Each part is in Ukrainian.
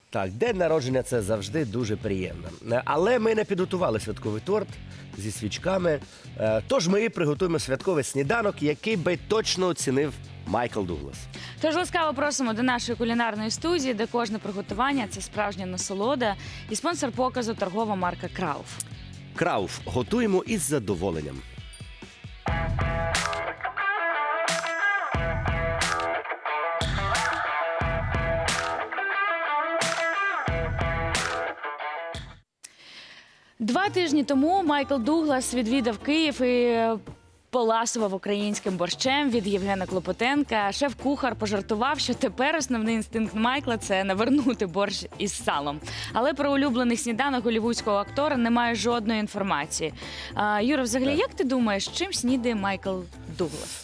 Так, день народження – це завжди дуже приємно. Але ми не підготували святковий торт зі свічками. Тож ми приготуємо святковий сніданок, який би точно оцінив Майкл Дуглас. Тож ласкаво просимо до нашої кулінарної студії, де кожне приготування – це справжня насолода. І спонсор показу – торгова марка «Крауф». Крауф. Готуємо із задоволенням. Два тижні тому Майкл Дуглас відвідав Київ і поласував українським борщем від Євгена Клопотенка. Шеф-кухар пожартував, що тепер основний інстинкт Майкла – це навернути борщ із салом. Але про улюблений сніданок голлівудського актора немає жодної інформації. Юра, взагалі, як ти думаєш, чим снідає Майкл Дуглас?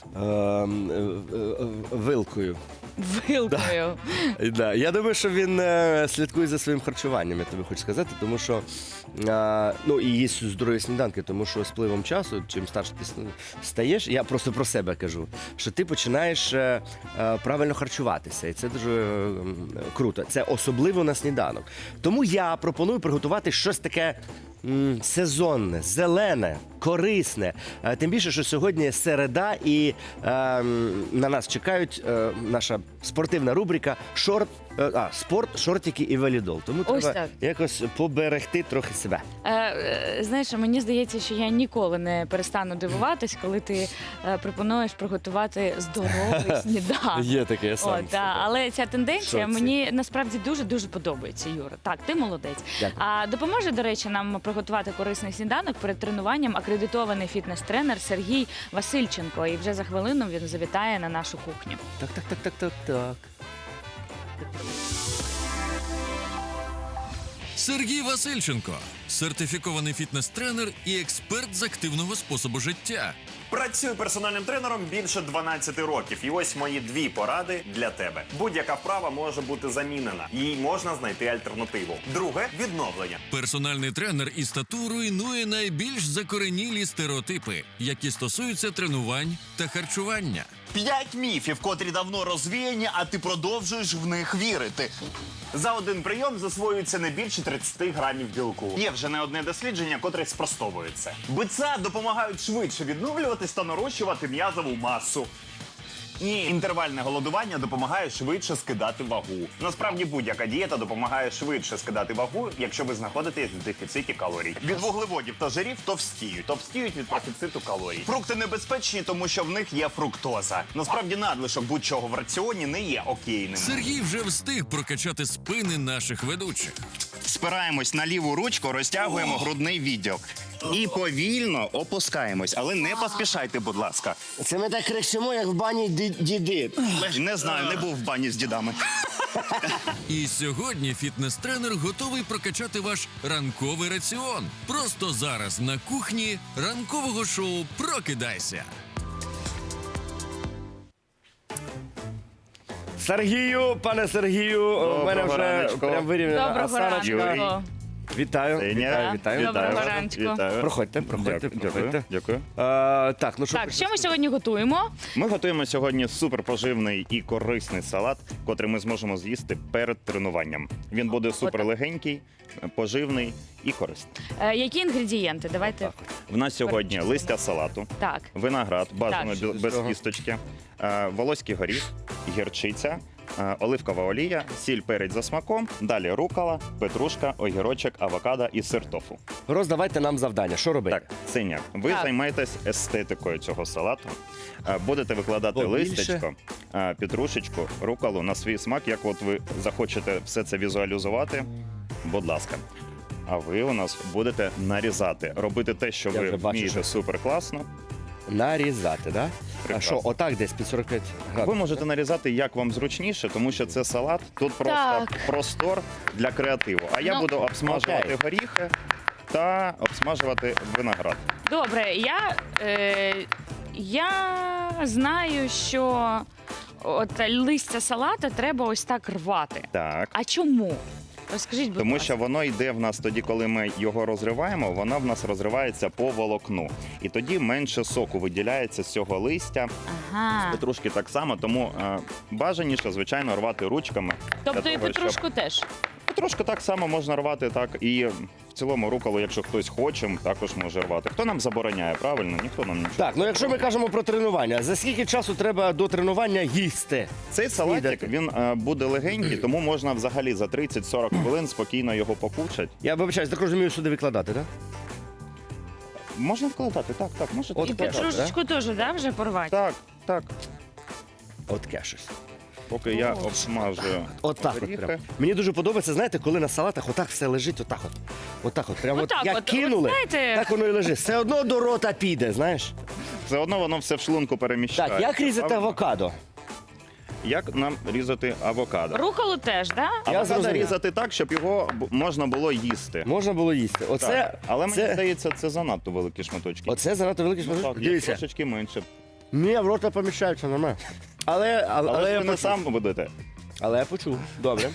Вилкою. Вилкою. Да. Я думаю, що він слідкує за своїм харчуванням, я тобі хочу сказати, тому що і їсть здорові сніданки, тому що з пливом часу, чим старше ти стаєш, я просто про себе кажу, що ти починаєш правильно харчуватися, і це дуже круто. Це особливо на сніданок. Тому я пропоную приготувати щось таке сезонне, зелене, корисне. Тим більше, що сьогодні середа і на нас чекають наша спортивна рубрика «Спорт, шортики і волейбол». Тому треба якось поберегти трохи себе. Знаєш, мені здається, що я ніколи не перестану дивуватись, коли ти пропонуєш приготувати здоровий сніданок. Є таке, я сам. Але ця тенденція мені насправді дуже-дуже подобається, Юра. Так, ти молодець. А допоможе, до речі, нам приготувати корисний сніданок перед тренуванням акредитований фітнес-тренер Сергій Васильченко. І вже за хвилину він завітає на нашу кухню. Так. Сергій Васильченко – сертифікований фітнес-тренер і експерт з активного способу життя. Працюю персональним тренером більше 12 років. І ось мої дві поради для тебе. Будь-яка вправа може бути замінена. Їй можна знайти альтернативу. Друге – відновлення. Персональний тренер із тату руйнує найбільш закоренілі стереотипи, які стосуються тренувань та харчування. 5 міфів, котрі давно розвіяні, а ти продовжуєш в них вірити. За один прийом засвоюється не більше 30 грамів білку. Є вже не одне дослідження, котре спростовує це. БЦА допомагають швидше відновлюватись та нарощувати м'язову масу. Ні, інтервальне голодування допомагає швидше скидати вагу. Насправді будь-яка дієта допомагає швидше скидати вагу, якщо ви знаходитесь в дефіциті калорій. Від вуглеводів та жирів товстіють. Товстіють від профіциту калорій. Фрукти небезпечні, тому що в них є фруктоза. Насправді надлишок будь-чого в раціоні не є окейним. Сергій вже встиг прокачати спини наших ведучих. Спираємось на ліву ручку, розтягуємо грудний відділ. І повільно опускаємось, але не поспішайте, будь ласка. Це ми так кричимо, як в бані діди. Не знаю, не був в бані з дідами. І сьогодні фітнес-тренер готовий прокачати ваш ранковий раціон. Просто зараз на кухні ранкового шоу «Прокидайся». Сергію, пане Сергію, в мене вже раночку. прям вирівняна Доброго осаночка. ранку. Вітаю. Вітаю. Доброго ранку. Проходьте. Дякую. Так, ну що? Так, що ми сьогодні готуємо? Ми готуємо сьогодні суперпоживний і корисний салат, котрий ми зможемо з'їсти перед тренуванням. Він буде суперлегенький, поживний і корисний. Які інгредієнти? Давайте. В нас сьогодні листя салату, Так. виноград, бажано Так. без кісточки, волоський горіх, гірчиця, оливкова олія, сіль, перець за смаком, далі рукола, петрушка, огірочок, авокадо і сир тофу. Роздавайте нам завдання. Що робити? Так, Синя, ви Так. займаєтесь естетикою цього салату. Будете викладати Побільше. листячко, петрушечку, руколу на свій смак, як от ви захочете все це візуалізувати, будь ласка. А ви у нас будете нарізати, робити те, що Я ви вже бачу, вмієте що- супер класно. Нарізати, так? А Прекрасно. що, отак десь під 45 градусів? Ви можете нарізати як вам зручніше, тому що це салат, тут просто Так. простор для креативу. А я Ну, буду обсмажувати окей. горіхи та обсмажувати виноград. Добре, я знаю, що от листя салата треба ось так рвати. Так. А чому? Розкажіть, будь Тому ласка. що воно йде в нас тоді, коли ми його розриваємо, воно в нас розривається по волокну. І тоді менше соку виділяється з цього листя. Ага. Петрушки так само, тому бажаніше, звичайно, рвати ручками. Тобто для і того, петрушку теж. трошки так само можна рвати, так і в цілому руколу, якщо хтось хоче, також може рвати. Хто нам забороняє, правильно? Ніхто нам нічого. Так, ну якщо ми кажемо про тренування, за скільки часу треба до тренування їсти? Цей салатик, Снідати. він буде легенький, тому можна взагалі за 30-40 хвилин спокійно його покушати. Я вибачаюсь, так розумію, сюди викладати, так? Можна вкладати, так, можете От І вкладати. петрушечку теж, да, вже порвати? Так. От щось. Поки я обсмажую Отак от горіхи. прям. Мені дуже подобається, знаєте, коли на салатах отак все лежить, отак от. Отак от. Прямо Отак як от, кинули, знаєте- так воно і лежить. Все одно до рота піде, знаєш? Все одно воно все в шлунку переміщає. Так, як різати Правильно? авокадо? Як нам різати авокадо? Руколу теж, да? Авокадо зрозумів. різати так, щоб його можна було їсти. Можна було їсти. Оце, Так. Але мені це, здається, це занадто великі шматочки. оце занадто великий Ну, шматок. так, є Дивіться. трошечки менше. Ні, в рота поміщаються нормально. Але Але я ви не почув. сам будете. Але я почув. Добре.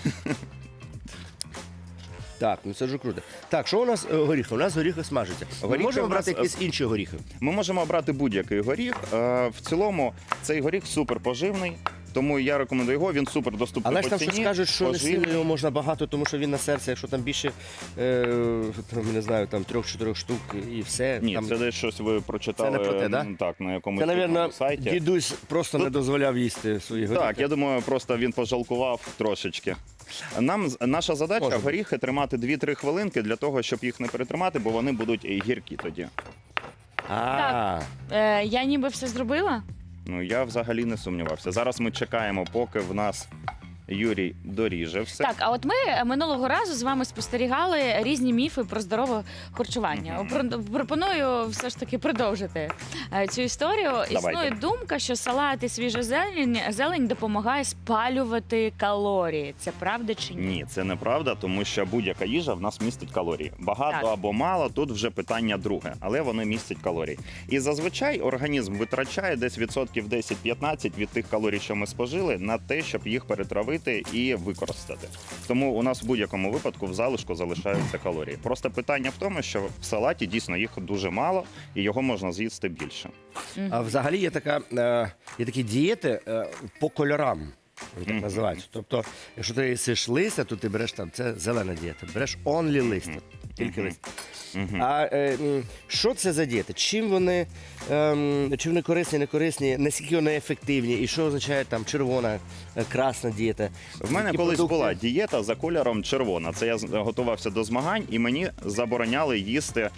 Так, ну це дуже круто. Так, що у нас горіхи? У нас горіхи смажаться. Ми Горіхи можемо у нас, брати якісь інші горіхи. Ми можемо обрати будь-який горіх. В цілому цей горіх супер поживний, тому я рекомендую його. Він супер доступний Але по ж там ціні. щось кажуть, що не поживний. сильно його можна багато, тому що він на серце, якщо там більше, там, не знаю, там 3-4 штук і все. Ні, там... це десь щось ви прочитали. Це не про те, да? Так, на якомусь Це, крупному мабуть, сайті. дідусь просто не дозволяв їсти свої горіхи. Так, я думаю, просто він пожалкував трошечки. Наша задача Може бути. горіхи тримати 2-3 хвилинки для того, щоб їх не перетримати, бо вони будуть гіркі тоді. А, Я ніби все зробила. Ну я взагалі не сумнівався. Зараз ми чекаємо, поки в нас Юрій доріже все. Так, а от ми минулого разу з вами спостерігали різні міфи про здорове харчування. Пропоную все ж таки продовжити цю історію. Існує думка, що салат і свіжа зелень допомагає спалювати калорії. Це правда чи ні? Ні, це неправда, тому що будь-яка їжа в нас містить калорії. Багато Так. або мало, тут вже питання друге, але вони містять калорії. І зазвичай організм витрачає десь відсотків 10-15 від тих калорій, що ми спожили, на те, щоб їх перетравити і використати. Тому у нас в будь-якому випадку в залишку залишаються калорії. Просто питання в тому, що в салаті дійсно їх дуже мало, і його можна з'їсти більше. а взагалі є такі дієти по кольорам. Вони так називаються. Тобто, якщо ти їсиш листя, то ти береш там, це зелена дієта, береш only листя, тільки листя. А що це за дієти? Чим вони корисні, не корисні, наскільки вони ефективні, і що означає там червона, красна дієта? В мене Які колись продукти? була дієта за кольором червона. Це я готувався до змагань, і мені забороняли їсти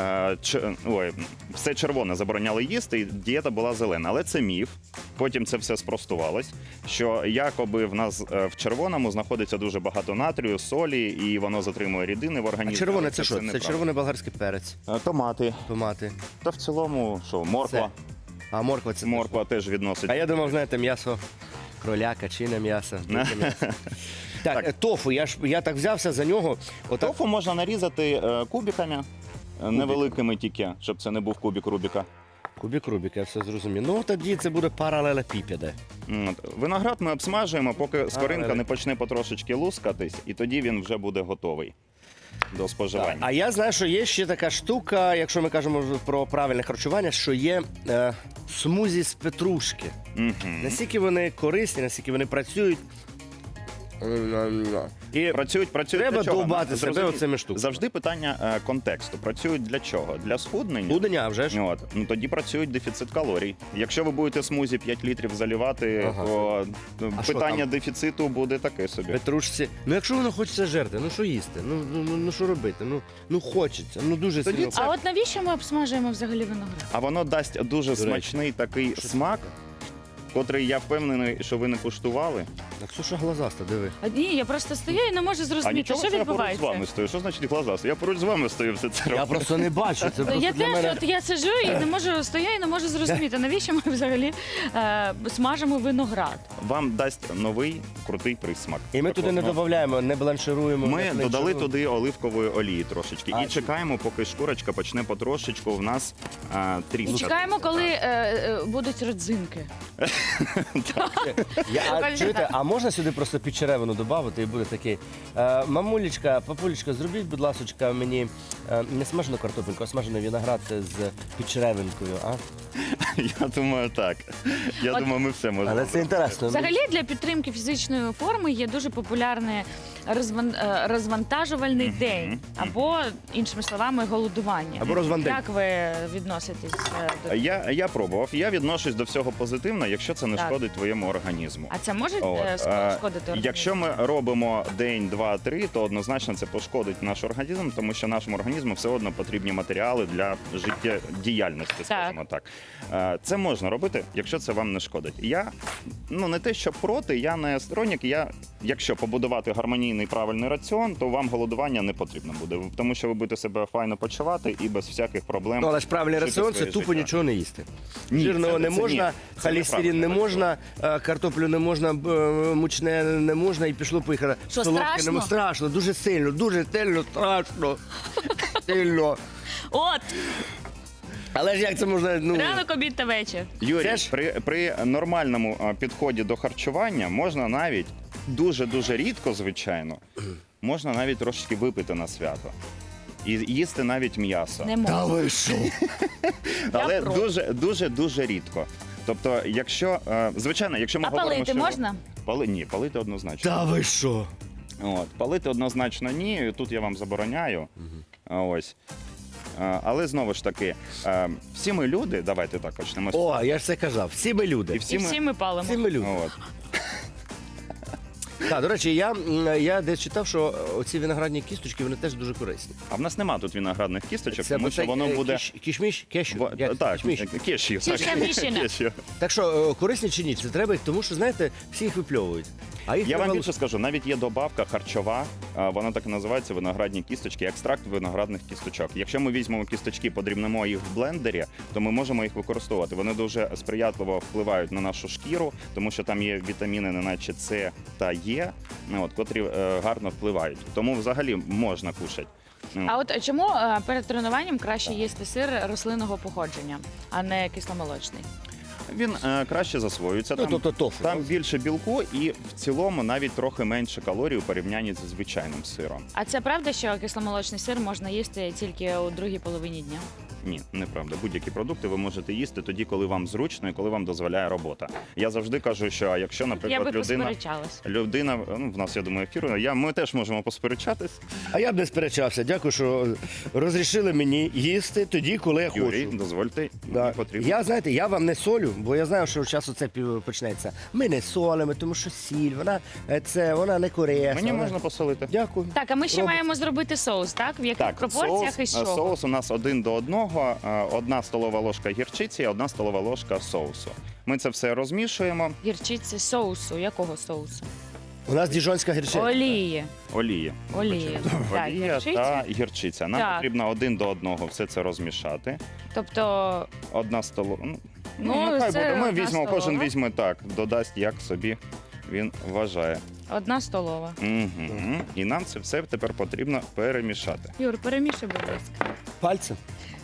все червоне забороняли їсти, і дієта була зелена. Але це міф. Потім це все спростувалось, що якоби в нас в червоному знаходиться дуже багато натрію, солі, і воно затримує рідини в А організмі. червоне Але це що? Це неправда. червоний болгарський перець, Томати. томати. Та в цілому, що, морква. А морква це Морква теж відносить. А я думав, знаєте, м'ясо кроляка, чине м'ясо. дике м'ясо. Так, тофу, я так взявся за нього. Отак. Тофу можна нарізати кубиками, невеликими тільки, щоб це не був кубик Рубіка. Кубік Рубік, я все зрозумів. Ну тоді це буде паралелепіпеди. Виноград ми обсмажуємо, поки скоринка але- не почне потрошечки лускатись, і тоді він вже буде готовий до споживання. А я знаю, що є ще така штука, якщо ми кажемо про правильне харчування, що є смузі з петрушки. Наскільки вони корисні, наскільки вони працюють. І Працюють треба для чого? довбати себе Зрозуміть, оцими штуками. Завжди питання контексту. Працюють для чого? Для схуднення? Будення, а вже ж. От. Ну, тоді працюють дефіцит калорій. Якщо ви будете смузі 5 літрів заливати, Ага. то А що питання там? дефіциту буде таке собі. Петрушці. Ну якщо воно хочеться жерти, ну що їсти? Ну що робити? Ну хочеться, ну дуже Тоді сильно. це- А от навіщо ми обсмажуємо взагалі виноград? А воно дасть дуже речі. смачний такий смак, котрий я впевнений, що ви не куштували. Так Ксюша глазаста, диви. А ні, я просто стою і не можу А зрозуміти, нічого, що що я поруч з відбувається. вами стою. Що значить глаза? Я поруч з вами стою, все це роблю. Я просто не бачу. Це просто Я для теж мене. от я сиджу і не можу стою і не можу зрозуміти, навіщо ми взагалі смажимо виноград. Вам дасть новий крутий присмак. І ми туди не Такого. додаємо, не бланшируємо. Ми не додали фленшируємо. туди оливкової олії трошечки. А, І чекаємо, поки шкурочка почне потрошечку в нас І тріскати. чекаємо, коли будуть родзинки. Чуєте, а можна сюди просто підчеревину додати і буде такий. Мамулечка, папулечка, зробіть, будь ласочка, мені не смажену картопельку, а смажений виноград з підчеревинкою. А? Я думаю, так. Я От- думаю, ми все можемо. Але це інтересно. Взагалі для підтримки фізичної форми є дуже популярне розвантажувальний день, або, іншими словами, голодування. Або розвандень. Як ви відноситесь до Я пробував. Я відношусь до всього позитивно, якщо це не Так. шкодить твоєму організму. А це може От, шкодити організму? Якщо ми робимо день, два, три, то однозначно це пошкодить наш організм, тому що нашому організму все одно потрібні матеріали для життєдіяльності, скажімо так. Це можна робити, якщо це вам не шкодить. Я не те, що проти, я не сторонник. Якщо побудувати гармонійний правильний раціон, то вам голодування не потрібно буде, тому що ви будете себе файно почувати і без всяких проблем. Ну, але ж правильний жити раціон це своє тупо життя. нічого не їсти. Ні, Жирного це не можна, це холестерин не неправильний можна, картоплю не можна, мучне не можна і пішло поїхало. Що, Солодке страшно? не можна. Страшно, дуже сильно, страшно. Сильно. От, Але ж як це можна, ранок, обід та вечір. Юрій, Це ж- при нормальному підході до харчування можна навіть дуже рідко, звичайно, можна навіть трошечки випити на свято. І їсти навіть м'ясо. Не можна. ви що? Але проти. дуже рідко. Тобто, звичайно, якщо ми А говоримо, палити що... можна? Ні, палити однозначно. Та ви що? Палити однозначно ні, тут я вам забороняю. Ось. Але знову ж таки, всі ми люди, давайте так почнемо. О, я ж це казав, всі ми люди. І І всі ми палимо. Всі ми люди. От. Так, до речі, я десь читав, що оці виноградні кісточки, вони теж дуже корисні. А в нас нема тут виноградних кісточок, тому що оцей, воно буде... Кішміш? Кешю? Як? Так, Кішміш. кешю. Кішка-мішина. Кешю. Так що, корисні чи ні? Це треба їх, тому що, знаєте, всі їх випльовують. А їх Я треба вам більше скажу, навіть є добавка харчова, вона так і називається виноградні кісточки, екстракт виноградних кісточок. Якщо ми візьмемо кісточки, подрібнемо їх в блендері, то ми можемо їх використовувати. Вони дуже сприятливо впливають на нашу шкіру, тому що там є вітаміни, неначе С та Е, котрі гарно впливають. Тому взагалі можна кушати. А от чому перед тренуванням краще їсти сир рослинного походження, а не кисломолочний? Він краще засвоюється. Ну, тобто тофу. Там більше білку і в цілому навіть трохи менше калорій у порівнянні зі звичайним сиром. А це правда, що кисломолочний сир можна їсти тільки у другій половині дня? Ні, неправда. Будь-які продукти ви можете їсти тоді, коли вам зручно і коли вам дозволяє робота. Я завжди кажу, що якщо, Я би наприклад, посперечалась. людина, в нас, я думаю, ефір, ми теж можемо посперечатись. А я б не сперечався. Дякую, що розрішили мені їсти тоді, коли я Юрій, хочу. дозвольте, Да. мені потрібно. Я, знаєте, я вам не солю, бо я знаю, що часу це почнеться. Ми не солимо, тому що сіль, вона не корисна. Мені вона- можна посолити. Дякую. Так, а ми ще Робимо. маємо зробити соус, так? В яких Так, пропорціях і з чого? соус у нас 1 до 1, 1 столова ложка гірчиці і 1 столова ложка соусу. Ми це все розмішуємо. Гірчиці соусу. Якого соусу? У нас діжонська гірчиця. Олії. Олії. Олії. Так, Олія гірчиця. та гірчиця. Нам Так. потрібно 1 до 1 все це розмішати. Тобто, 1 столова. це Хай буде. Ми одна візьмемо, кожен столова. візьме так, додасть, як собі він вважає. 1 столова. Угу. І нам це все тепер потрібно перемішати. Юр, перемішай, будь ласка. Пальцем.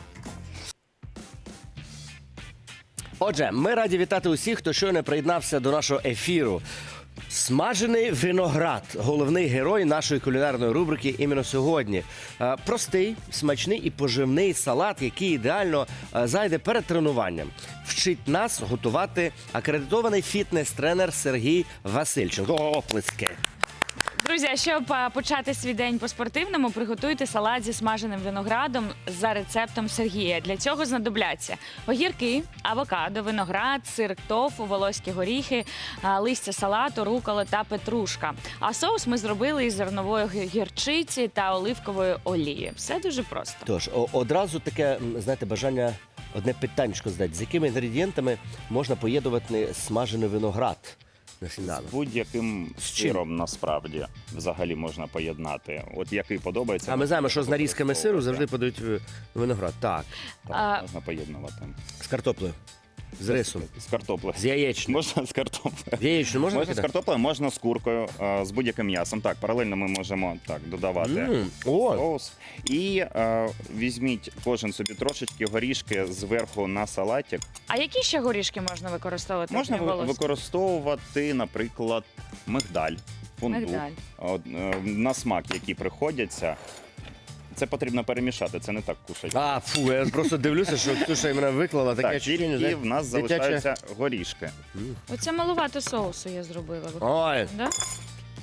Отже, ми раді вітати усіх, хто щойно приєднався до нашого ефіру. Смажений виноград – головний герой нашої кулінарної рубрики іменно сьогодні. Простий, смачний і поживний салат, який ідеально зайде перед тренуванням. Вчить нас готувати акредитований фітнес-тренер Сергій Васильченко. Оплески! Друзі, а щоб почати свій день по-спортивному, приготуйте салат зі смаженим виноградом за рецептом Сергія. Для цього знадобляться огірки, авокадо, виноград, сир тофу, волоські горіхи, листя салату, рукола та петрушка. А соус ми зробили із зернової гірчиці та оливкової олії. Все дуже просто. Тож, одразу таке, знаєте, бажання одне питаннячко задати. З якими інгредієнтами можна поєднувати смажений виноград на сніданок? З будь-яким З чим? сиром насправді взагалі можна поєднати. От який подобається. А ми знаємо, що з нарізками сиру завжди подають виноград. Так, Так, можна поєднувати. з картоплею, з рисом, З картоплею. з яєчнею. Можна з картоплею. З яєчнею можна Можна з кидати? картоплею, можна з куркою, з будь-яким м'ясом. Так, паралельно ми можемо так додавати О, соус. І візьміть кожен собі трошечки горішки зверху на салатик. А які ще горішки можна використовувати? Можна окрім волоських? використовувати, наприклад, мигдаль, фундук, Мигдаль. на смак, які приходяться. Це потрібно перемішати, це не так кушать. фу, я просто дивлюся, що Ксюша мене виклала таке Так, ощущення, і знаєте, в нас дитяче. залишаються горішки. Оце малувато соусу я зробила. Ой, Да?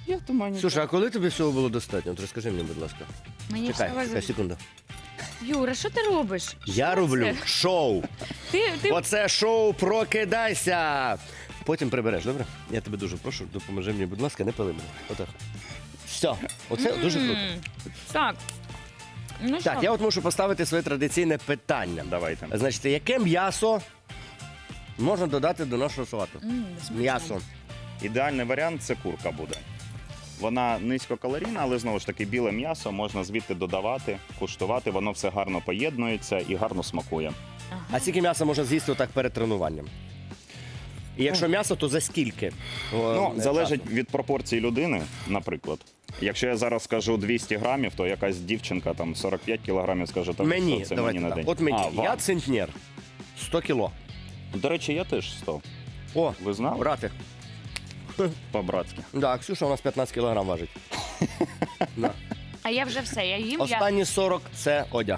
Я думаю, Слушай, а коли тобі всього було достатньо? От розкажи мені, будь ласка. Мені Чекай, всього чекай, секунду. Юра, що ти робиш? Я Що роблю це? шоу. Ти Оце шоу «Прокидайся». Потім прибереш, добре? Я тебе дуже прошу, допоможи мені, будь ласка, не пили мене. Отак. Все, оце дуже круто. Так. Ну Так, що? я от мушу поставити своє традиційне питання. Давайте. Значить, яке м'ясо можна додати до нашого салату? Смачно. М'ясо. Ідеальний варіант це курка буде. Вона низькокалорійна, але знову ж таки біле м'ясо можна звідти додавати, куштувати, воно все гарно поєднується і гарно смакує. А скільки м'яса можна з'їсти отак перед тренуванням? І якщо м'ясо, то за скільки? Ну, залежить від пропорцій людини, наприклад. Якщо я зараз скажу 200 грамів, то якась дівчинка там 45 кілограмів скаже, так, Мені, що це давайте мені на так. день. От мені, вам. я центнер, 100 кіло. До речі, я теж 100. О, Ви знали? брати. По-братськи. Да, Ксюша у нас 15 кілограм важить. Да. А я вже все, я їм. Останні 40 – це одяг.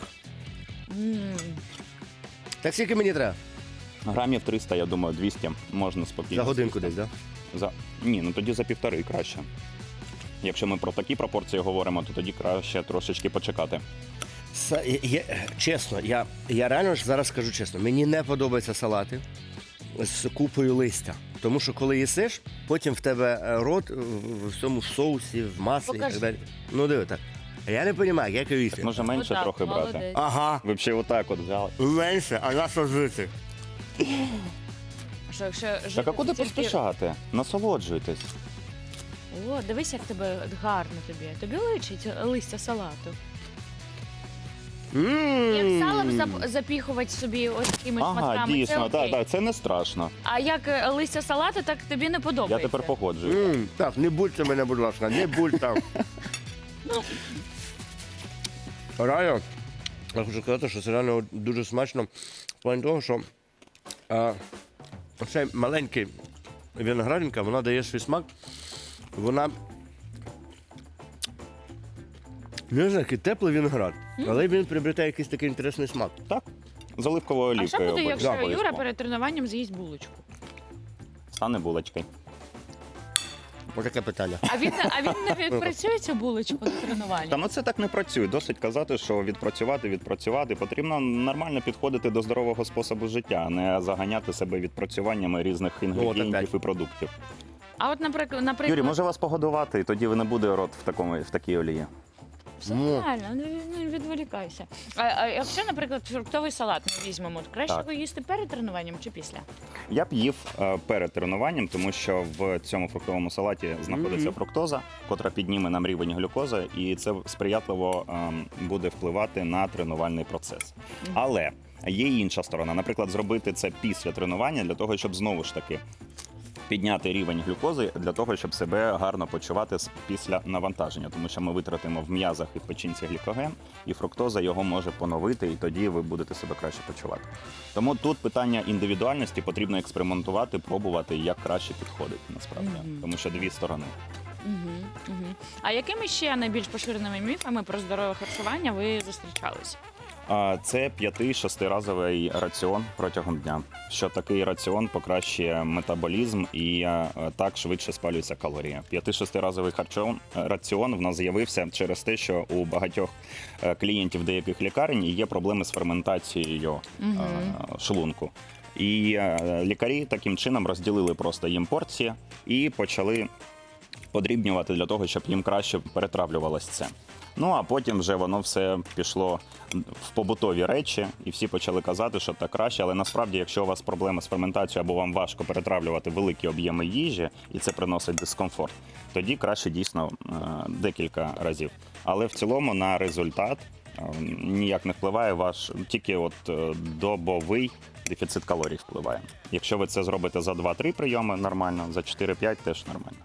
Так скільки мені треба? Грамів 300, я думаю, 200 можна спокійно. За годинку десь, так? Да? Ні, ну тоді за півтори краще. Якщо ми про такі пропорції говоримо, то тоді краще трошечки почекати. Чесно, я реально ж зараз скажу чесно, мені не подобаються салати з купою листя. Тому що коли їсиш, потім в тебе рот в всьому соусі, в маслі і Покажи. так далі. Ну диви так. Я не розумію, як його їсти. Може менше Отак, трохи брати. молодець. Ага, Ви б ще отак от взяли. менше, а на що жити? Що, якщо Так а жити куди тільки- поспішати? Насолоджуйтесь. О, дивись, як тебе гарно тобі. Тобі личить листя салату. Як салом запіхувати собі ось такими Ага, шматками, це дійсно, окей. так, це не страшно. А як листя салату, так тобі не Я подобається. тепер погоджуюсь. Так, не будьте мене, будь ласка, не будьте. Реально, я хочу сказати, що це реально дуже смачно в плані того, що оцей маленький виноградинка, вона дає свій смак, вона не знаю, який теплий виноград, але він приобретає якийсь такий інтересний смак. Так, з оливковою А що олівкою. буде, якщо обов'язково. Юра перед тренуванням з'їсть булочку? Стане булочкою. Ось таке питання. А він не відпрацює цю булочку до тренування? Та ну це так не працює. Досить казати, що відпрацювати. Потрібно нормально підходити до здорового способу життя, а не заганяти себе відпрацюваннями різних інгредієнтів опять. і продуктів. А от, наприклад, Юрій, може вас погодувати, і тоді ви не буде рот в такій олії. все нормально, не відволікайся. А якщо, наприклад, фруктовий салат ми візьмемо, то краще Так. його їсти перед тренуванням чи після? Я б їв перед тренуванням, тому що в цьому фруктовому салаті знаходиться фруктоза, котра підніме нам рівень глюкози, і це сприятливо буде впливати на тренувальний процес. Але є й інша сторона. Наприклад, зробити це після тренування для того, щоб знову ж таки підняти рівень глюкози для того, щоб себе гарно почувати після навантаження, тому що ми витратимо в м'язах і в печінці глікоген, і фруктоза його може поновити, і тоді ви будете себе краще почувати. Тому тут питання індивідуальності, потрібно експериментувати, пробувати, як краще підходить насправді, тому що дві сторони. А якими ще найбільш поширеними міфами про здорове харчування ви зустрічалися? Це 5-6-разовий раціон протягом дня. Що такий раціон покращує метаболізм і так швидше спалюються калорії. 5-6-разовий раціон в нас з'явився через те, що у багатьох клієнтів деяких лікарень є проблеми з ферментацією шлунку. І лікарі таким чином розділили просто їм порції і почали подрібнювати для того, щоб їм краще перетравлювалося це. Ну, а потім вже воно все пішло в побутові речі, і всі почали казати, що так краще. Але насправді, якщо у вас проблеми з ферментацією або вам важко перетравлювати великі об'єми їжі, і це приносить дискомфорт, тоді краще дійсно декілька разів. Але в цілому на результат ніяк не впливає ваш, тільки от добовий дефіцит калорій впливає. Якщо ви це зробите за 2-3 прийоми нормально, за 4-5 теж нормально.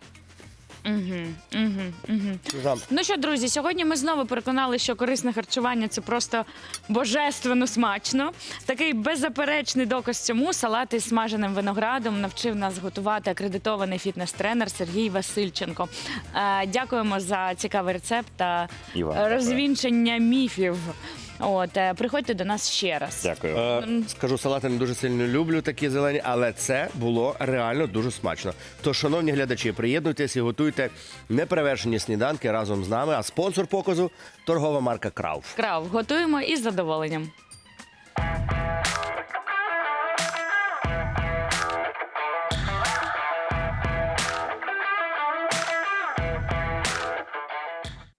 Ну що, друзі, сьогодні ми знову переконали, що корисне харчування – це просто божественно смачно. Такий беззаперечний доказ цьому салат із смаженим виноградом навчив нас готувати акредитований фітнес-тренер Сергій Васильченко. Дякуємо за цікавий рецепт та І вам дякую. розвінчення міфів. Приходьте до нас ще раз. Дякую. Скажу, салати не дуже сильно люблю такі зелені, але це було реально дуже смачно. Тож, шановні глядачі, приєднуйтесь і готуйте неперевершені сніданки разом з нами. А спонсор показу – торгова марка Крауф. Крав, готуємо із задоволенням.